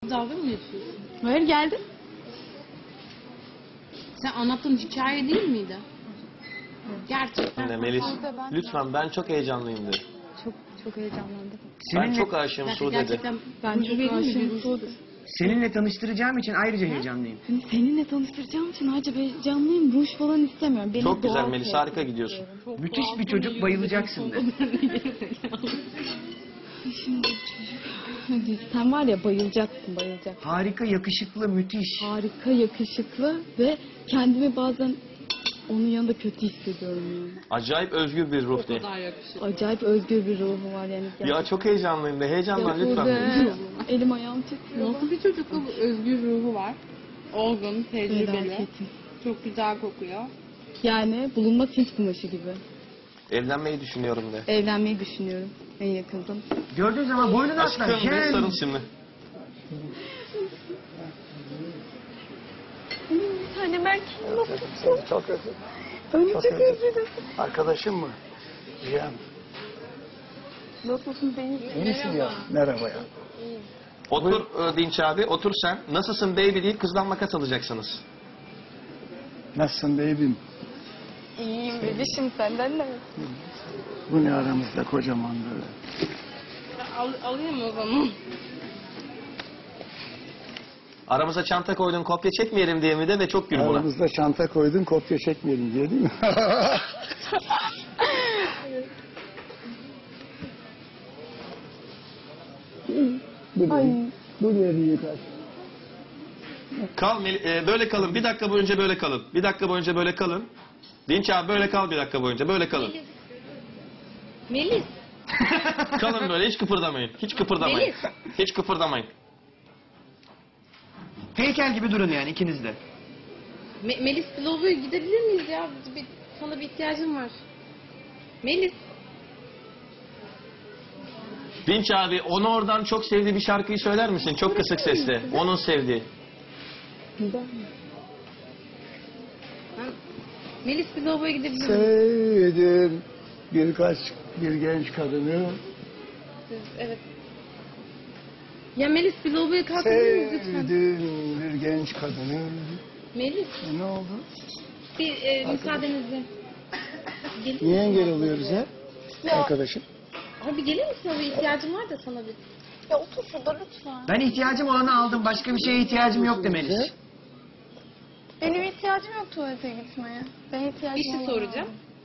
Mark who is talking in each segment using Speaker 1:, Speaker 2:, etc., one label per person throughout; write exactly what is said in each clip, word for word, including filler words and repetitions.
Speaker 1: dalga mı geçiyorsun?
Speaker 2: Hayır, geldim.
Speaker 1: Sen anlattığın hikaye değil miydi? Gerçekten.
Speaker 3: Ne Melis? Lütfen ben çok heyecanlıyım de.
Speaker 2: Çok çok heyecanlandım.
Speaker 3: Ben
Speaker 4: Seninle,
Speaker 3: çok aşığım Sude'de.
Speaker 1: Gerçekten
Speaker 2: Ben çok aşığım Sude.
Speaker 4: seninle tanıştıracağım için ayrıca heyecanlıyım.
Speaker 2: Hani seninle tanıştıracağım için ayrıca heyecanlıyım. Ruj falan istemiyorum. Benim
Speaker 3: Çok güzel
Speaker 2: doğal
Speaker 3: Melis,
Speaker 2: sevgilim.
Speaker 3: harika gidiyorsun.
Speaker 4: Müthiş bir çocuk, bayılacaksın de.
Speaker 2: Şimdi çocuk. Hadi sen var ya, bayılacaksın, bayılacaksın.
Speaker 4: Harika, yakışıklı, müthiş.
Speaker 2: Harika, yakışıklı ve kendimi bazen onun yanında kötü hissediyorum yani.
Speaker 3: Acayip özgür bir ruh de.
Speaker 1: Daha yakışıklı.
Speaker 2: Acayip özgür bir ruhu var yani.
Speaker 3: Ya çok heyecanlıyım de. Heyecanlan
Speaker 2: Ya
Speaker 3: lütfen.
Speaker 2: Sude, elim ayağım titriyor.
Speaker 1: Nasıl bir çocuk bu? Özgür ruhu var. Olgun, tecrübeli.
Speaker 2: Felaketim.
Speaker 1: Çok güzel kokuyor.
Speaker 2: Yani bulunmaz Hint kumaşı gibi.
Speaker 3: Evlenmeyi düşünüyorum de.
Speaker 2: Evlenmeyi düşünüyorum en yakında.
Speaker 4: Gördüğün zaman boynunu atlar.
Speaker 3: Aşkım bir sarıl şimdi.
Speaker 2: Bir tane Berk.
Speaker 5: Çok özür.
Speaker 2: Önce
Speaker 5: Çok
Speaker 2: çok
Speaker 5: özür.
Speaker 2: özledim.
Speaker 5: Arkadaşım mı? Cihan.
Speaker 2: Nasılsın beni?
Speaker 5: İyi misin ya? Merhaba ya.
Speaker 3: Otur e, Dinç abi, otur sen. Nasılsın baby deyip kızdan makas alacaksınız.
Speaker 5: Nasılsın beybim?
Speaker 2: İyiyim bebişim, senden ne?
Speaker 5: Bu ne aramızda kocaman böyle.
Speaker 1: Al, alayım o zaman.
Speaker 3: Aramıza çanta koydun, kopya çekmeyelim diye mi de ve çok gül buna.
Speaker 5: Aramızda çanta koydun, kopya çekmeyelim diye değil mi? Bu ne? Bu ne yıkar?
Speaker 3: Kal, Mel- e, böyle kalın. Bir dakika boyunca böyle kalın. Bir dakika boyunca böyle kalın. Dinç abi böyle kal bir dakika boyunca. Böyle kalın.
Speaker 1: Melis.
Speaker 3: Kalın böyle, hiç kıpırdamayın. Hiç kıpırdamayın.
Speaker 1: Melis.
Speaker 3: Hiç kıpırdamayın.
Speaker 4: Heykel gibi durun yani ikiniz de.
Speaker 1: Me- Melis Globo'ya gidebilir miyiz ya? Bir, sana bir ihtiyacım var. Melis.
Speaker 3: Dinç abi, onu oradan çok sevdiği bir şarkıyı söyler misin? Çok kısık sesle. Onun sevdiği.
Speaker 1: Ben, Melis Globo'ya gidebilir miyiz?
Speaker 5: Sevdim birkaç bir genç kadını.
Speaker 1: Evet. Ya Melis Globo'ya kalkabilir miyiz lütfen?
Speaker 5: Sevdim bir genç kadını.
Speaker 1: Melis.
Speaker 5: E, ne oldu?
Speaker 1: Bir e, müsaadenizle. Gelir
Speaker 5: Niye
Speaker 1: misin?
Speaker 5: engel oluyoruz ya? Arkadaşım.
Speaker 1: Abi gelir misin? Bir ihtiyacım var da sana bir.
Speaker 2: Ya otur şurada lütfen.
Speaker 4: Ben ihtiyacım olanı aldım. Başka bir şeye ihtiyacım yok demeliyiz.
Speaker 2: Benim ihtiyacım yok tuvalete gitmeye. Ben ihtiyacım
Speaker 1: Bir şey
Speaker 2: olan
Speaker 1: soracağım.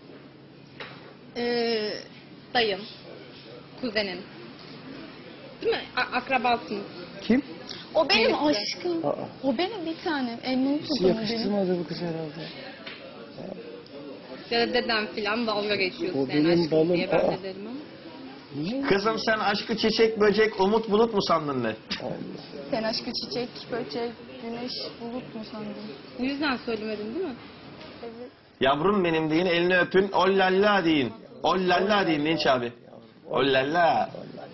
Speaker 1: Ee, dayın, kuzenin. Değil mi? A- akrabasınız.
Speaker 5: Kim?
Speaker 2: O benim
Speaker 1: Melis'le.
Speaker 2: aşkım.
Speaker 5: Aa.
Speaker 2: O benim bir tanem. Elini
Speaker 5: Bizi
Speaker 2: tutun benim.
Speaker 5: yakıştırmadı bu kız herhalde.
Speaker 1: Ya da dedem filan dalga geçiyorsun.
Speaker 5: O
Speaker 1: Yani
Speaker 5: benim
Speaker 1: aşkım
Speaker 5: balım.
Speaker 1: diye ben
Speaker 5: Aa.
Speaker 1: de derim ama.
Speaker 5: Niye?
Speaker 3: Kızım sen aşkı çiçek, böcek, umut bulut mu sandın ne?
Speaker 2: Sen aşkı çiçek, böcek, güneş, bulut mu sandın?
Speaker 1: Bu yüzden söylemedin değil mi?
Speaker 2: Evet.
Speaker 3: Yavrum benim deyin, elini öpün, ollalla deyin. Ollalla deyin Dinç abi. Ollalla.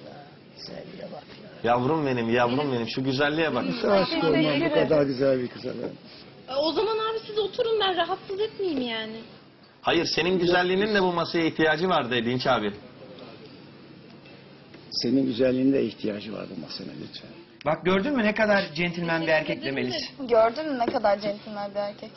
Speaker 3: Yavrum benim, yavrum benim. Şu güzelliğe bak.
Speaker 5: Nasıl aşık olmam bu kadar güzel bir kıza ben?
Speaker 1: E, o zaman abi siz oturun, ben rahatsız etmeyeyim yani.
Speaker 3: Hayır, senin güzelliğinin de bu masaya ihtiyacı var de Dinç abi.
Speaker 5: Senin güzelliğine ihtiyacı var bu masana lütfen.
Speaker 4: Bak gördün mü ne kadar centilmen bir erkekle Melis.
Speaker 2: Gördün mü ne kadar centilmen bir erkek?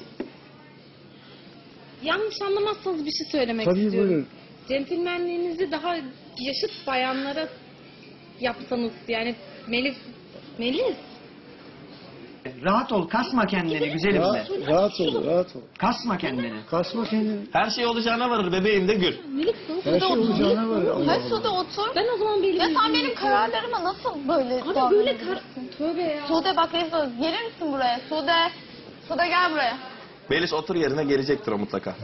Speaker 1: Yanlış anlamazsanız bir şey söylemek
Speaker 5: Tabii
Speaker 1: istiyorum.
Speaker 5: buyurun.
Speaker 1: Centilmenliğinizi daha yaşıt bayanlara yapsanız yani Melis, Melis.
Speaker 4: Rahat ol, kasma kendini güzelim de.
Speaker 5: Rahat, rahat ol, rahat ol.
Speaker 4: Kasma kendini.
Speaker 5: Kasma kendini.
Speaker 3: Her şey olacağına varır bebeğim de gül.
Speaker 1: Melis
Speaker 5: Her şey olacağına var. Allah
Speaker 2: Hadi
Speaker 5: Allah.
Speaker 2: Sude otur.
Speaker 1: ben o zaman belli.
Speaker 2: Ya sen benim kararlarıma nasıl böyle
Speaker 1: Abi böyle kar...
Speaker 2: davranabilirsin?
Speaker 1: Tövbe ya.
Speaker 2: Sude bak Resul, gelir misin buraya? Sude, Sude gel buraya.
Speaker 3: Melis otur yerine, gelecektir o mutlaka.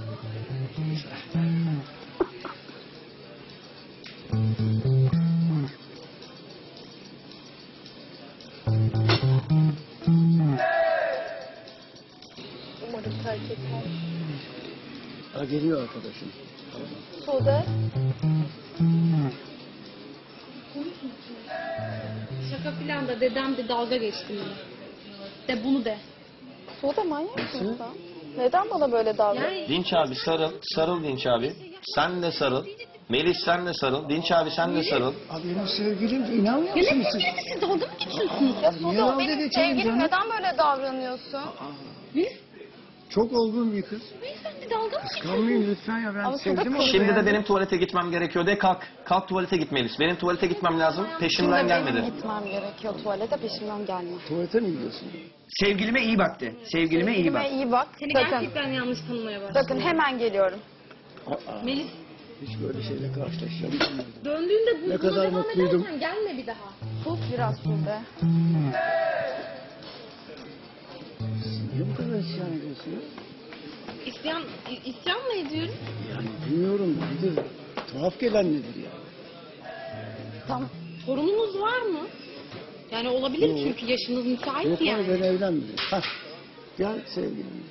Speaker 2: Umarım terk etmez.
Speaker 5: Ha, geliyor arkadaşım.
Speaker 2: Sude.
Speaker 1: Şaka filan da dedem de dalga geçti beni. De bunu de.
Speaker 2: Sude manyak mısın sen? Neden bana böyle davranıyorsun?
Speaker 1: Yani
Speaker 3: Dinç abi sarıl, sarıl Dinç abi. Sen de sarıl. Melis sen de sarıl. Dinç abi sen de sarıl.
Speaker 5: Abi benim sevgilim de inanmıyor
Speaker 1: Ya
Speaker 5: musun
Speaker 1: ne
Speaker 5: siz?
Speaker 1: sevgilisi siz dalga mı geçiyorsunuz?
Speaker 2: Ya
Speaker 5: Niye
Speaker 2: Sude
Speaker 5: dalga
Speaker 2: o benim
Speaker 5: geçelim
Speaker 2: sevgilim,
Speaker 5: canım?
Speaker 2: neden böyle davranıyorsun?
Speaker 5: Çok olgun bir kız.
Speaker 1: Beyefendi dalga mı
Speaker 5: Kıskanmayın lütfen ya ben
Speaker 2: Ama
Speaker 5: sevdim
Speaker 2: Sude
Speaker 5: onu.
Speaker 3: Şimdi de
Speaker 5: beğendim.
Speaker 3: benim tuvalete gitmem gerekiyor de kalk. Kalk tuvalete git Melis. Benim tuvalete gitmem lazım. Peşimden gelmedi.
Speaker 2: Benim gitmem gerekiyor tuvalete, peşimden gelme.
Speaker 5: Tuvalete mi gidiyorsun?
Speaker 4: Sevgilime iyi bak de. Sevgilime iyi bak.
Speaker 2: Sevgilime iyi bak.
Speaker 1: Seni
Speaker 2: Sakın,
Speaker 1: gerçekten yanlış tanımaya başladım.
Speaker 2: sakın hemen geliyorum.
Speaker 5: Aa,
Speaker 1: Melis
Speaker 5: hiç böyle şeyle karşılaşacağım. bilmiyordum.
Speaker 1: döndüğünde bu,
Speaker 5: Ne
Speaker 1: buna
Speaker 5: kadar
Speaker 1: devam
Speaker 5: mutluydum.
Speaker 1: edersen gelme bir daha.
Speaker 2: Sus biraz Sude.
Speaker 5: Niye bu kadar isyan ediyorsun ya?
Speaker 1: İsyan, i- isyan mı ediyorum?
Speaker 5: Yani bilmiyorum nedir? Tuhaf gelen nedir ya?
Speaker 2: Tamam.
Speaker 1: Sorununuz var mı? Yani olabilir
Speaker 5: Yok.
Speaker 1: çünkü yaşınız müsait
Speaker 5: Yok
Speaker 1: yani.
Speaker 5: abi ben evlenmedim. Hah. Gel sevgilim.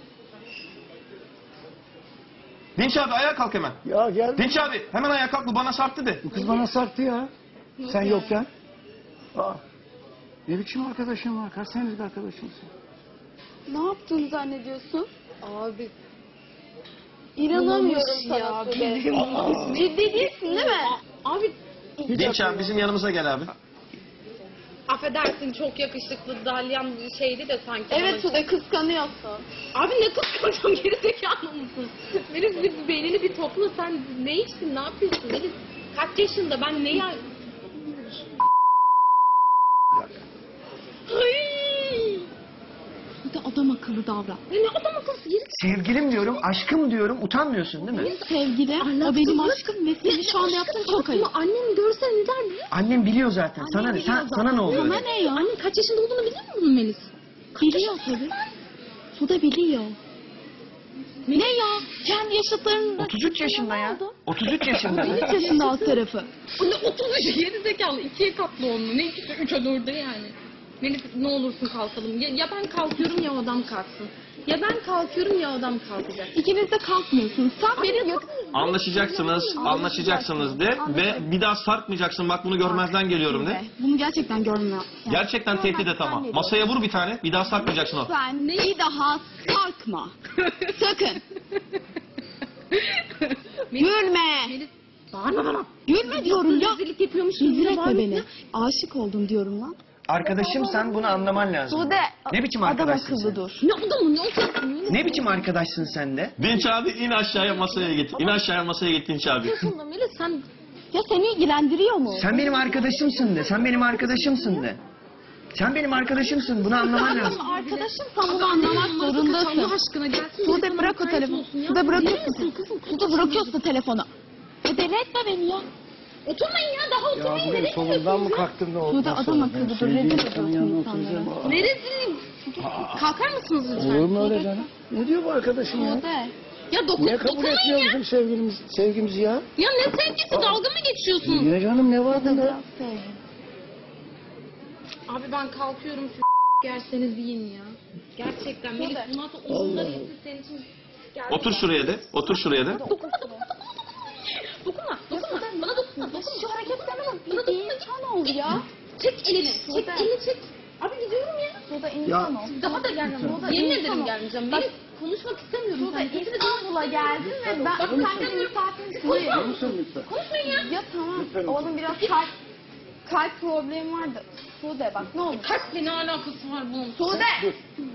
Speaker 3: Dinç abi ayağa kalk hemen.
Speaker 5: Ya gel.
Speaker 3: Dinç abi hemen ayağa kalk bu bana sarktı de.
Speaker 5: Bu kız bana sarktı ya. Sen yokken. Aa. Ne biçim arkadaşın var? Kaç senelik arkadaşımsın?
Speaker 2: Ne yaptığını zannediyorsun?
Speaker 1: Abi
Speaker 2: İnanamıyorum
Speaker 1: bulamamış
Speaker 2: sana
Speaker 1: ya,
Speaker 2: Sude.
Speaker 1: bildiğin
Speaker 5: Aa.
Speaker 2: Ciddi değilsin değil mi?
Speaker 1: abi
Speaker 3: Dinç abi bizim yanımıza gel abi.
Speaker 1: affedersin çok yakışıklı dalyan şeydi de sanki.
Speaker 2: Evet
Speaker 1: Ama-
Speaker 2: Sude, kıskanıyorsun.
Speaker 1: Abi ne kıskanacağım gerizekalı mısın? Melis bir beynini bir topla sen ne içtin ne yapıyorsun Melis? Kaç yaşında ben ne ya... Ay!
Speaker 2: Bir de adam akıllı davran.
Speaker 1: Ne ne adam akıllısı geri
Speaker 4: Sevgilim diyorum, aşkım diyorum. Utanmıyorsun değil mi?
Speaker 2: Sevgilim, o benim aşkım ve senin şu anda yaptığın çok ayıp.
Speaker 1: Ama annem görse ne der biliyor musun?
Speaker 4: Annem biliyor zaten. Sana ne? Sen, sana ne oluyor?
Speaker 2: Sana ne ya?
Speaker 1: Annem kaç yaşında olduğunu biliyor musun Melis?
Speaker 2: Biliyor tabii. Sude biliyor. Ne ya? Kendi yaşıtlarında...
Speaker 4: otuz üç yaşında ya. otuz üç yaşında.
Speaker 2: otuz üç yaşında alt tarafı.
Speaker 1: O ne otuz üç geri zekalı ikiye katlı onunla ne ikisi üçe dörde yani. Melis ne olursun kalkalım. Ya, ya ben kalkıyorum ya o adam kalksın. Ya ben kalkıyorum ya o adam kalkacak.
Speaker 2: İkiniz de kalkmıyorsunuz. Sen benim yakın...
Speaker 3: Anlaşacaksınız, anlaşacaksınız de ve bir daha sarkmayacaksın. Bak bunu görmezden geliyorum de.
Speaker 2: Bunu gerçekten görmüyor.
Speaker 3: Gerçekten tehdit et ama. Masaya vur bir tane. Bir daha sarkmayacaksın o.
Speaker 2: Sen bir daha sarkma. Sakın. Gülme.
Speaker 1: Melis bağırma bana.
Speaker 2: Gülme diyorum ya.
Speaker 1: Rezillik yapıyormuş.
Speaker 2: Rezil
Speaker 1: gibi
Speaker 2: etme
Speaker 1: bağırma.
Speaker 2: beni. Aşık oldum diyorum lan.
Speaker 4: Arkadaşım sen bunu anlaman lazım.
Speaker 2: Sude,
Speaker 4: Ne biçim
Speaker 2: adam
Speaker 4: arkadaşsın
Speaker 2: akıllı
Speaker 4: sen?
Speaker 2: dur.
Speaker 1: Ne adamı ne olacaksın?
Speaker 4: Ne biçim arkadaşsın sen de?
Speaker 3: Dinç abi in aşağıya masaya git. İn aşağıya masaya git Dinç abi.
Speaker 1: Aslında Melis sen
Speaker 2: Ya seni ilgilendiriyor mu?
Speaker 4: Sen benim arkadaşımsın de. Sen benim arkadaşımsın de. Sen benim arkadaşımsın. Bunu anlaman lazım.
Speaker 2: Ama arkadaşım sen bunu anlamak zorundasın.
Speaker 1: Allah aşkına gelsin.
Speaker 2: Sude bırak o telefonu. Sude bırakıyorsun. Sude bırakıyorsun telefonu. E deli etme beni ya.
Speaker 1: Oturmayın ya daha
Speaker 5: Ya
Speaker 1: oturmayın.
Speaker 5: bugün
Speaker 1: Nereye
Speaker 5: solundan mı
Speaker 1: gidiyorsunuz ya?
Speaker 5: kalktın da oldu?
Speaker 2: Sude adam akıllı dur. Rezil ediyorsun insanları.
Speaker 1: Neresi? Kalkar mısınız lütfen?
Speaker 5: Olur mu öyle canım? Ne diyor bu arkadaşın ya?
Speaker 2: Sude.
Speaker 1: Ya dokun,
Speaker 5: Niye kabul
Speaker 1: dokunmayın
Speaker 5: etmiyor
Speaker 1: ya.
Speaker 5: bizim sevgimiz, sevgimizi ya?
Speaker 1: Ya ne sevgisi dalga mı geçiyorsun?
Speaker 5: Niye canım ne var bunda?
Speaker 2: Biraz sevgi.
Speaker 1: Abi ben kalkıyorum şu gerseniz yiyin ya. Gerçekten Melis bu nasıl uzunları
Speaker 5: Allah.
Speaker 1: yesin senin için.
Speaker 3: Otur şuraya de. Otur şuraya de.
Speaker 1: Dokunma dokunma dokunma. Dokunma dokunma. Bana dokunma. Dokunma.
Speaker 2: Şu hareketlerine bak.
Speaker 1: Bana
Speaker 2: Bir
Speaker 1: dokunma.
Speaker 2: insan ol ya.
Speaker 1: Çek elini. Çek
Speaker 2: Sude.
Speaker 1: elini çek. Abi gidiyorum ya.
Speaker 2: Sude insan ol.
Speaker 1: Daha da gelmem.
Speaker 2: Sude,
Speaker 1: Yemin
Speaker 2: insan
Speaker 1: ederim
Speaker 2: ol.
Speaker 1: gelmeyeceğim.
Speaker 2: Bak,
Speaker 1: Melis konuşmak istemiyorum.
Speaker 2: Sude
Speaker 1: Sen sesini
Speaker 2: İstanbul'a geldin ve ben
Speaker 1: Bak,
Speaker 2: senden misafirim değilim.
Speaker 5: Biliyor musun lütfen?
Speaker 1: konuşmayın ya.
Speaker 2: Ya tamam.
Speaker 5: Lütfen.
Speaker 2: Oğlum biraz kalp kalp problemi vardı. Sude bak ne olur.
Speaker 1: Kalple ne alakası var bunun?
Speaker 2: Sude.
Speaker 5: Dur.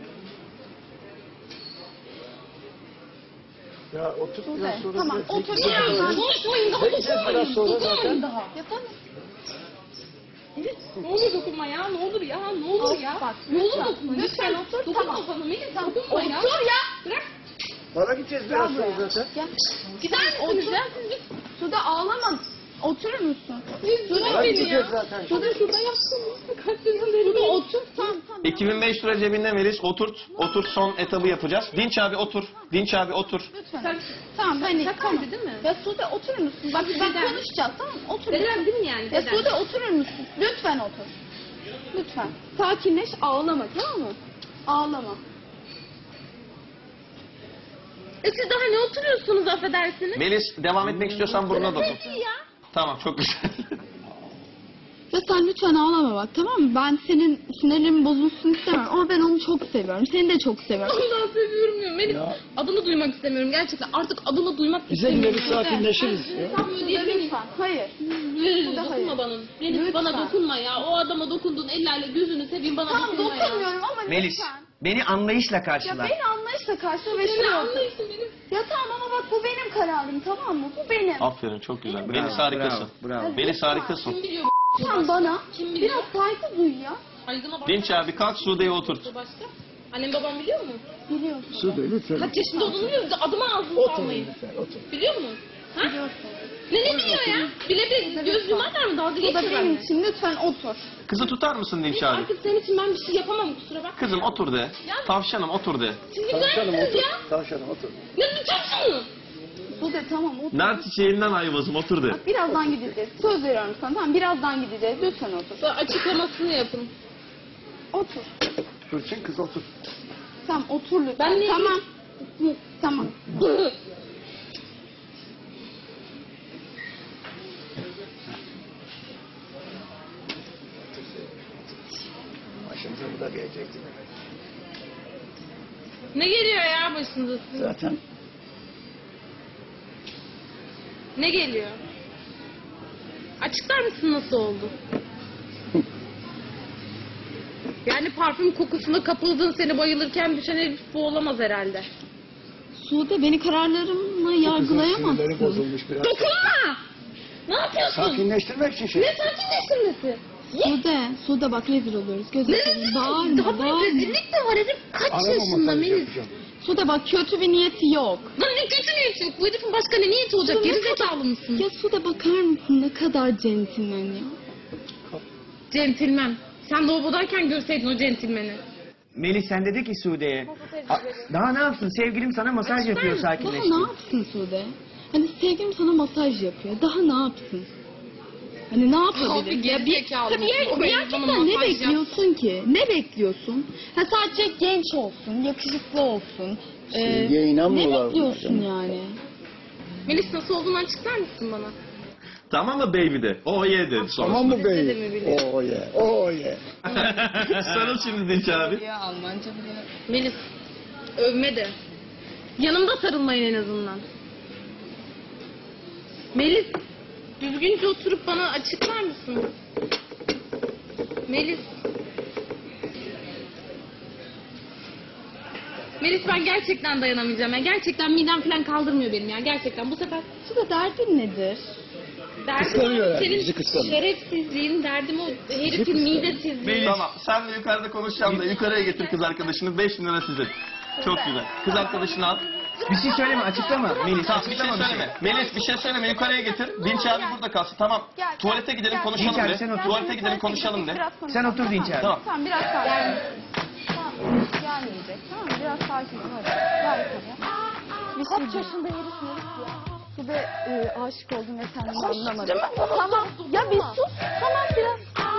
Speaker 5: Ya otur biraz
Speaker 2: Sude.
Speaker 5: sonra.
Speaker 2: Tamam
Speaker 5: biraz
Speaker 2: otur.
Speaker 5: çekil.
Speaker 2: Ya,
Speaker 1: Konuşmayın daha
Speaker 5: Çekeceğiz biraz sonra
Speaker 1: dokunmayın.
Speaker 5: zaten.
Speaker 1: Daha.
Speaker 2: Yapamam.
Speaker 1: Melis ne olur dokunma ya ne olur ya ne olur
Speaker 2: Of,
Speaker 1: ya.
Speaker 2: bak,
Speaker 1: Ne olur
Speaker 2: lütfen.
Speaker 1: dokunma
Speaker 2: Lütfen
Speaker 1: lütfen.
Speaker 2: otur,
Speaker 1: Dokunma
Speaker 2: tamam.
Speaker 1: bana Melis dokunma ya.
Speaker 2: Otur ya.
Speaker 1: Bırak.
Speaker 5: Para gideceğiz biraz sonra zaten.
Speaker 2: Gel.
Speaker 1: Gider misiniz ya? Siz bir
Speaker 2: Sude ağlama. Oturur musun?
Speaker 1: Sude
Speaker 5: Para
Speaker 1: beni
Speaker 5: gideceğiz
Speaker 1: ya.
Speaker 5: zaten.
Speaker 1: Sude şurada yapsınız. Kaç sezon beri.
Speaker 2: Sude otur. Tamam tamam.
Speaker 3: iki bin beş lira cebinde Melis. Oturt. Oturt son etabı yapacağız. Dinç abi otur. Dinç abi otur.
Speaker 2: Lütfen.
Speaker 1: Sen
Speaker 2: Tamam hani
Speaker 1: şakaydı
Speaker 2: tamam.
Speaker 1: değil mi?
Speaker 2: Ya Sude oturur musun? Bak
Speaker 1: Dedem.
Speaker 2: bak konuşacağız tamam mı? Otur.
Speaker 1: Dedem değil mi yani?
Speaker 2: Ya
Speaker 1: Dedem.
Speaker 2: Sude oturur musun? Lütfen otur. Lütfen. Sakinleş, ağlama tamam mı? Ağlama.
Speaker 1: E siz daha ne oturuyorsunuz affedersiniz?
Speaker 3: Melis devam etmek istiyorsan burnuna dokun.
Speaker 1: Peki ya.
Speaker 3: Tamam çok güzel.
Speaker 2: Ya sen lütfen ağlama bak, tamam mı? Ben senin sinirlerin bozulsun istemem ama ben onu çok seviyorum. Seni de çok seviyorum.
Speaker 1: Ondan seviyorum ya. Melis
Speaker 5: Ya.
Speaker 1: adını duymak istemiyorum gerçekten. Artık adını duymak
Speaker 5: Bize
Speaker 1: istemiyorum.
Speaker 5: gideriz sakinleşiriz. Ya.
Speaker 1: Tam ödeyelim.
Speaker 2: Lütfen. Hayır.
Speaker 1: Melis,
Speaker 2: da
Speaker 1: dokunma
Speaker 2: hayır.
Speaker 1: bana. Melis
Speaker 2: Lütfen.
Speaker 1: bana dokunma ya. O adama dokunduğun ellerle gözünü seveyim bana
Speaker 2: Tamam
Speaker 1: dokunma ya.
Speaker 2: dokunmuyorum ama
Speaker 4: Melis,
Speaker 2: lütfen.
Speaker 4: beni anlayışla
Speaker 2: Ya
Speaker 4: karşıla.
Speaker 2: beni anlayışla karşıla ve
Speaker 1: Seni
Speaker 2: şunu
Speaker 1: anlayışın benim.
Speaker 2: Ya tamam ama bak bu benim kararım, tamam mı? Bu benim.
Speaker 3: Aferin, çok güzel.
Speaker 4: Bravo,
Speaker 3: Melis harikasın.
Speaker 4: Bravo, bravo.
Speaker 3: Melis harikasın.
Speaker 1: Kim biliyor bu
Speaker 2: Sen
Speaker 1: başka?
Speaker 2: bana
Speaker 1: Kim biliyor?
Speaker 2: biraz saygı duy ya.
Speaker 1: Saygına bak.
Speaker 3: Dinç abi kalk Sude'yi oturt.
Speaker 1: Başka? Annem babam biliyor mu?
Speaker 2: Biliyorsun.
Speaker 5: Sude lütfen.
Speaker 1: Kaç yaşında olduğunu biliyor musun? Adıma ağzını
Speaker 5: Otur
Speaker 1: salmayın.
Speaker 5: lütfen otur.
Speaker 1: Biliyor musun? Ha?
Speaker 2: Biliyorsun.
Speaker 1: Ne ne biliyor ya? Bile bile göz yumarlar mı? Dalga
Speaker 2: Bu da
Speaker 1: geçiyor
Speaker 2: benim
Speaker 1: benimle.
Speaker 2: için, lütfen otur.
Speaker 3: Kızı tutar mısın Dinç abi?
Speaker 1: Artık senin için ben bir şey yapamam kusura bakma.
Speaker 3: Kızım otur de. Tavşanım otur de.
Speaker 1: Siz
Speaker 5: Tavşanım
Speaker 1: güzelsiniz
Speaker 5: otur.
Speaker 1: ya.
Speaker 5: Tavşanım otur.
Speaker 1: Ne tutacaksın?
Speaker 2: Bu da tamam otur.
Speaker 3: Nar çiçeğinden ayvazım otur de.
Speaker 2: Bak birazdan gideceğiz. Söz veriyorum sana, tamam birazdan gideceğiz. Lütfen otur.
Speaker 1: Sonra açıklamasını yapın.
Speaker 2: Otur.
Speaker 5: Fırçın kız otur.
Speaker 2: Tamam otur lütfen.
Speaker 1: Ben ne-
Speaker 2: Tamam. Hı, Tamam.
Speaker 5: Başımıza bu da gelecekti.
Speaker 1: Ne geliyor ya başınıza sizin?
Speaker 5: Zaten
Speaker 1: Ne geliyor? Açıklar mısın nasıl oldu? Yani parfüm kokusuna kapıldın, seni bayılırken düşen herif bu olamaz herhalde.
Speaker 2: Sude beni kararlarımla
Speaker 5: kızın sinirleri
Speaker 2: yargılayamazsın.
Speaker 5: bozulmuş biraz.
Speaker 1: Dokunma! Ne yapıyorsun?
Speaker 5: Sakinleştirmek için şey.
Speaker 1: Ne sakinleştirmesi?
Speaker 2: Sude, Sude bak rezil oluyoruz. Göz
Speaker 1: Ne
Speaker 2: açalım.
Speaker 1: rezil?
Speaker 2: Bağırma,
Speaker 1: Daha bir
Speaker 2: bağırma.
Speaker 1: rezillik de var herif. Kaç
Speaker 5: Arama
Speaker 1: yaşında
Speaker 5: masajı
Speaker 1: Melis?
Speaker 5: yapacağım.
Speaker 2: Sude bak kötü bir niyeti yok.
Speaker 1: Lan ne kötü niyeti yok. Bu herifin başka ne niyeti olacak?
Speaker 2: Sude, ne
Speaker 1: Geri
Speaker 2: kadar-
Speaker 1: zekalı mısın?
Speaker 2: Ya Sude bakar mısın ne kadar centilmen ya.
Speaker 1: Centilmen. Sen lavabodayken görseydin o centilmeni.
Speaker 4: Melis sen dedi ki Sude'ye. "A- Daha ne yapsın? Sevgilim sana masaj yapıyor
Speaker 2: Daha
Speaker 4: sakinleştir.
Speaker 2: ne yapsın Sude? Hani sevgilim sana masaj yapıyor. Daha ne yapsın? Hani ne
Speaker 1: Abi,
Speaker 2: yapabilir? Ya bir,
Speaker 1: gerizekalı
Speaker 2: tabii ya,
Speaker 1: mısın? O benim bana
Speaker 2: gerçekten ne
Speaker 1: masaj
Speaker 2: bekliyorsun ki? Ne bekliyorsun? Ha sadece genç olsun, yakışıklı olsun. Ee,
Speaker 5: Sevgiye inanmıyorlar
Speaker 2: Ne
Speaker 5: bunlar
Speaker 2: bekliyorsun
Speaker 5: canım.
Speaker 2: yani?
Speaker 1: Melis nasıl olduğunu açıklar mısın bana?
Speaker 3: Tamam mı baby de? Oh yeah dedi sonra.
Speaker 5: Tamam mı
Speaker 1: İstediğimi
Speaker 5: beyim?
Speaker 1: biliyor.
Speaker 5: Oh yeah. Oh yeah.
Speaker 3: Sarıl şimdi Dinç abi.
Speaker 2: Ya Almanca bile.
Speaker 1: Melis, övme de. Yanımda sarılmayın en azından. Melis, düzgünce oturup bana açıklar mısın? Melis. Melis ben gerçekten dayanamayacağım ya. Gerçekten midem falan kaldırmıyor benim ya. Gerçekten bu sefer
Speaker 2: Sude derdin nedir?
Speaker 1: derdim
Speaker 5: Kıskanıyor
Speaker 1: o
Speaker 5: yani,
Speaker 1: senin
Speaker 5: bizi kıskanıyor.
Speaker 1: şerefsizliğin, derdim o herifin
Speaker 5: kıskanıyor.
Speaker 1: midesizliği.
Speaker 3: Tamam sen de yukarıda konuşacağım da yukarıya getir kız arkadaşını. beş bin lira sizin. Çok güzel. Kız arkadaşını al.
Speaker 4: Bir şey söyleme açıklama. Melis
Speaker 3: Tamam bir şey
Speaker 4: açıklama bir şey.
Speaker 3: söyleme. Melis bir şey söyleme yukarıya getir. Dinç abi burada kalsın. Tamam.
Speaker 2: Gel,
Speaker 3: Tuvalete gidelim
Speaker 2: gel.
Speaker 3: konuşalım
Speaker 4: Dinç abi,
Speaker 3: de.
Speaker 4: sen otur.
Speaker 3: Tuvalete gidelim konuşalım de.
Speaker 2: Biraz
Speaker 4: Sen otur Dinç abi.
Speaker 3: Tamam.
Speaker 2: Tamam biraz sakin. Tamam gelmeyecek. Tamam biraz sakin ol hadi. Gel yukarıya. Bir Kaç yaşında herif herif ya. Sude e, aşık oldum ve kendimi anlamadım. Tamam ya bir sus. Tamam biraz.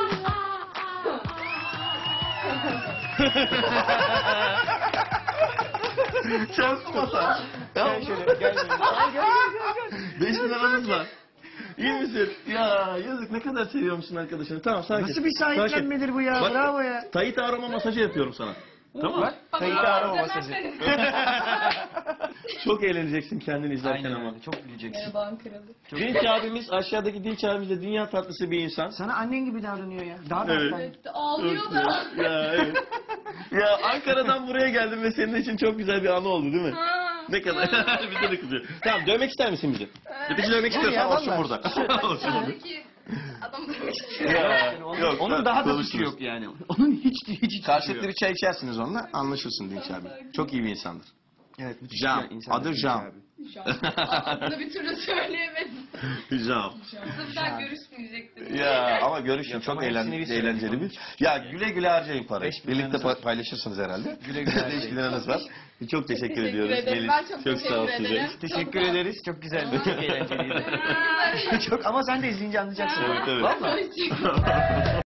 Speaker 3: Şans masa.
Speaker 4: Gel şöyle gel.
Speaker 3: beş bin liramız var. İyi misin? Ya yazık ne kadar seviyormuşsun arkadaşını. Tamam sakin.
Speaker 4: Nasıl bir sahiplenmedir bu ya?
Speaker 3: Bak,
Speaker 4: Bravo ya.
Speaker 3: Tayit arama masajı yapıyorum sana. Tamam mı?
Speaker 4: Kayıt arama masajı.
Speaker 3: Çok eğleneceksin kendini izlerken
Speaker 4: Aynen
Speaker 3: ama.
Speaker 4: öyle. Çok güleceksin.
Speaker 3: Dinç abimiz aşağıdaki Dinç abimiz de dünya tatlısı bir insan.
Speaker 4: Sana annen gibi davranıyor ya. Daha da
Speaker 3: Evet.
Speaker 4: evet.
Speaker 1: Ağlıyor da.
Speaker 3: Ya evet. Ya Ankara'dan buraya geldim ve senin için çok güzel bir anı oldu değil mi? Ne kadar? Bize de kızıyor. Tamam dövmek ister misin bizi? Bizi dövmek istiyorsan
Speaker 4: ya,
Speaker 3: olsun
Speaker 4: vallahi.
Speaker 3: burada. Olsun burada.
Speaker 1: Adam dövmek istiyor.
Speaker 3: Ya, yok,
Speaker 4: Onun daha da
Speaker 3: konuşuruz.
Speaker 4: suçu yok yani. Onun hiç hiç hiç suçu
Speaker 3: Karşılıklı
Speaker 4: yok.
Speaker 3: bir çay içersiniz onunla anlaşırsın Dinç abi. Çok iyi bir insandır.
Speaker 4: Evet, müthiş
Speaker 3: Jam.
Speaker 4: bir insan
Speaker 3: Adı
Speaker 4: Dinç
Speaker 3: Jam.
Speaker 4: abi.
Speaker 1: Adını bir türlü söyleyemedim.
Speaker 3: Jam.
Speaker 1: Sırf görüşmeyecektim.
Speaker 3: Ya ama görüşün
Speaker 4: Ya,
Speaker 3: çok
Speaker 4: tamam,
Speaker 3: eğlen,
Speaker 4: hepsini bir
Speaker 3: eğlenceli
Speaker 4: söyle.
Speaker 3: bir. Ya güle güle harcayın parayı.
Speaker 4: Beş bin
Speaker 3: Birlikte
Speaker 4: liranız var.
Speaker 3: pa- paylaşırsınız herhalde.
Speaker 4: Güle güle harcayın.
Speaker 3: beş bin liranız var. Çok teşekkür,
Speaker 1: Teşekkür
Speaker 3: ediyoruz.
Speaker 1: ederim.
Speaker 3: Melis,
Speaker 1: Ben çok teşekkür
Speaker 3: sağ ol
Speaker 1: ederim.
Speaker 3: size.
Speaker 4: Teşekkür ederiz. Çok güzeldi. Çok eğlenceliydi. Çok ama sen de izleyince anlayacaksın.
Speaker 3: Evet, evet.
Speaker 4: Vallahi.